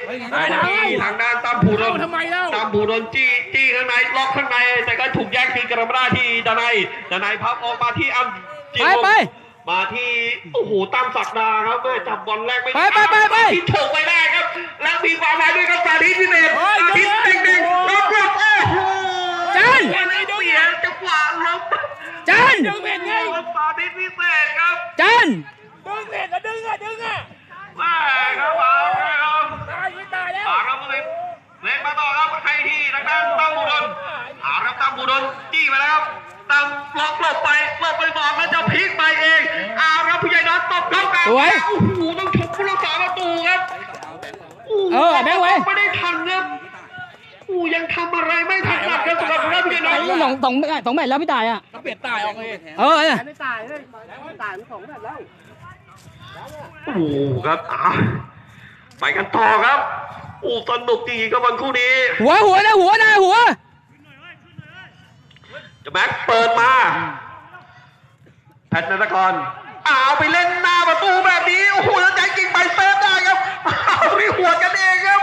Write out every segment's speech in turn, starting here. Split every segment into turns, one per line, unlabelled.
ที่ทางด้านตั้มผูดนตั้มผูดนจี้ข้างในล็อกข้างในแต่ก็ถูกแย่งคืนกลับมาได้ที่ดนัยพับออกมาที่อัมจิโร่มาที่โอ้โหตั้มศักดาครับเมื่อจับบอลแรกไม่ได้ที่โฉกไปแรกครับแล้วมีความหมายด้วยครับสาธิตพิเศษทิศเด็กๆล็อกโอ้โห
จัน
เสียจังหวะล้ม
จัน
สาธิตพิเศษครับ
จัน
ดึงเสร็จแล้วดึงอ่ะ
มาครับมาครับ
ตายแล้ว
ครับเล่นมาต่อครับให้ที่ทางด้านตั้มบูดนครับตั้มบูดนจี้ไปแล้วครับตั้มล็อกหลบไปบอกแล้วจะพลิกไปเองครับผู้ใหญ่น็อตตบเข้ากลางโอ้โหต้องชมผู้รักษาประตูครับ
แม่งไว้
ไม่ได้ทันครับยังทำอะไรไม่ทันครับสำหรับผู้ใหญ่น็อต
สองแมตช์แล้วพี่ตายอ่ะ
เปลี่ยนตายออกเลย
ไม่
ตายเลยตาย2แมตช์แล้ว
โอ้ครับไปกันต่อครับสนุกจริงๆกับวันคู่นี้
หัว
จะแม็กเปิดมาแพทย์นรกรไปเล่นหน้าประตูแบบนี้โอ้โหแล้วใจจริงไปเซฟได้ครับไม่หัวกันเองครับ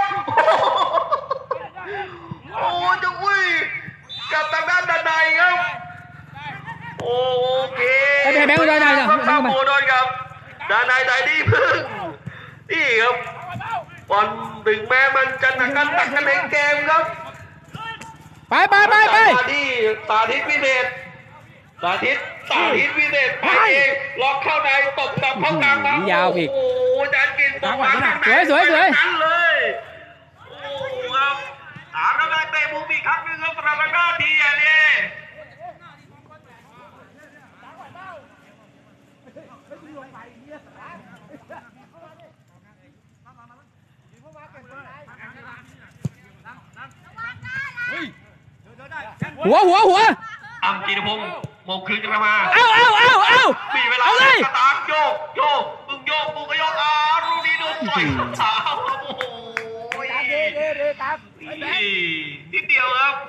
จะกับทางด้านด้านในครับโอเค
แบงค์ได้
ข้ามโมโดนครับด้านในใจดีพึ่งนี่ครับบอลถึงแม้มันจะหนักกันในเกมครับ
ไป
ที่สาธิตพิเศษสาธิตพิเศษไปเองล็อกเข้าในตบตับเข้ากลางมาย
าวอีก
โอ้จานกินตบมา
สวย
นั่นเลยครับแล้วได้เตะมุมอีกครั้งนึงครับสำหรับทางด้านทีนี่
หัว
อัมจีนพงศ์มงคืนกันมามีเวลา
เลย
ตามโยกมึงก็โยกลูกนี้โดนต่อยขาโอ้โหนิดเดียวครับ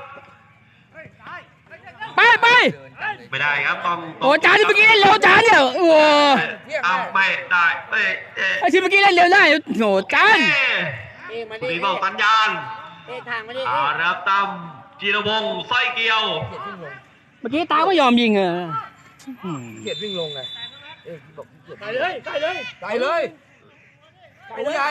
ไป
ไม่ได้ครับต้อง
โอ้จานที่เมื่อกี้เล่นเร็วจานเนี่ยโอ้
ไม่ได้
ไอ้ที่เมื่อกี้เล่นเร็วได้โอ้จาน
มีบอกสัญญาณรับตามจีรพงศ์สร้อยเกียว
เมื่อกี้ตาก็ยอมยิง
เกียดวิ่งลงไงใส่เลยใหญ่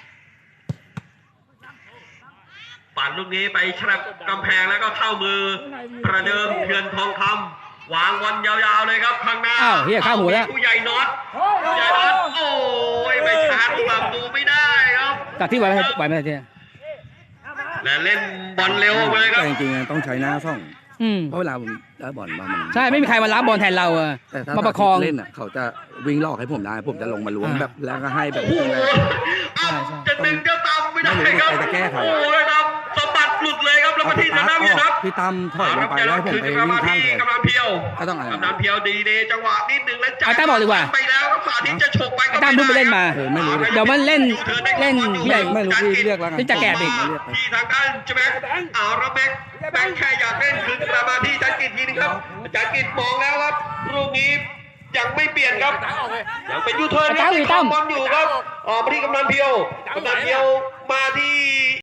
ปั่นลูกนี้ไปฉลับกำแพงแล้วก็เข้ามือประเดิมเถื่อนทองคำวางบอลยาวๆเลยครับข้างหน้า
ข้าวหมูแล้ว
ผู้ใหญ่น็อตโอ้ยไม่ชาร์จประตูไม่ได้ครับ
จากที่ไหวไม่ได้
และเล่นบอลเร็วเลยครับ
จริงๆต้องใช้หน้าส่องเพราะเวลาผมได้บอลมามัน
ใช่ไม่มีใครมารับบอลแทนเรา
แต่ถ้ามาประคองเล่นเขาจะวิ่งลอกให้ผมได้ผมจะลงมาล้วงแบบแล้วก็ให้แบบ
จะดึงจะตามไม่ได้ครับ
จะแก้ไข
โอ้ยครับสะบัดหลุดเลยครับแล้วมาที่ทางด้านพี่นัท
พี่ตั้มถอยลงไปแล้วผมไปวิ่งข้างแทน
กำลังเพียว
ก็ต้องอะไร
กำลังเพียวดีเดจังหวะนิดนึงแล้ว
จ่ายตั้มบอกดีกว่า
ไปแล้วครับสาธิตจะฉกไปก็
ตั้มเพิ่งไปเล่นมา
ไม่รู้
เดี๋ยวมันเล่นใหญ่
ไม่รู้ที่เรียกแล้วกัน
ที่จะแก่อีก
ที่ทางด้านใช่ไหมแล้วแบงค์แค่อยากเล่นคืนกลับมาที่จันกิจทีนึงครับจันกิจมองแล้วครับลูกนี้ยังไม่เปลี่ยนครับยังเป็นยูเทิร์นครับบอลอยู่ครับมาที่กำนันเพียวมาที่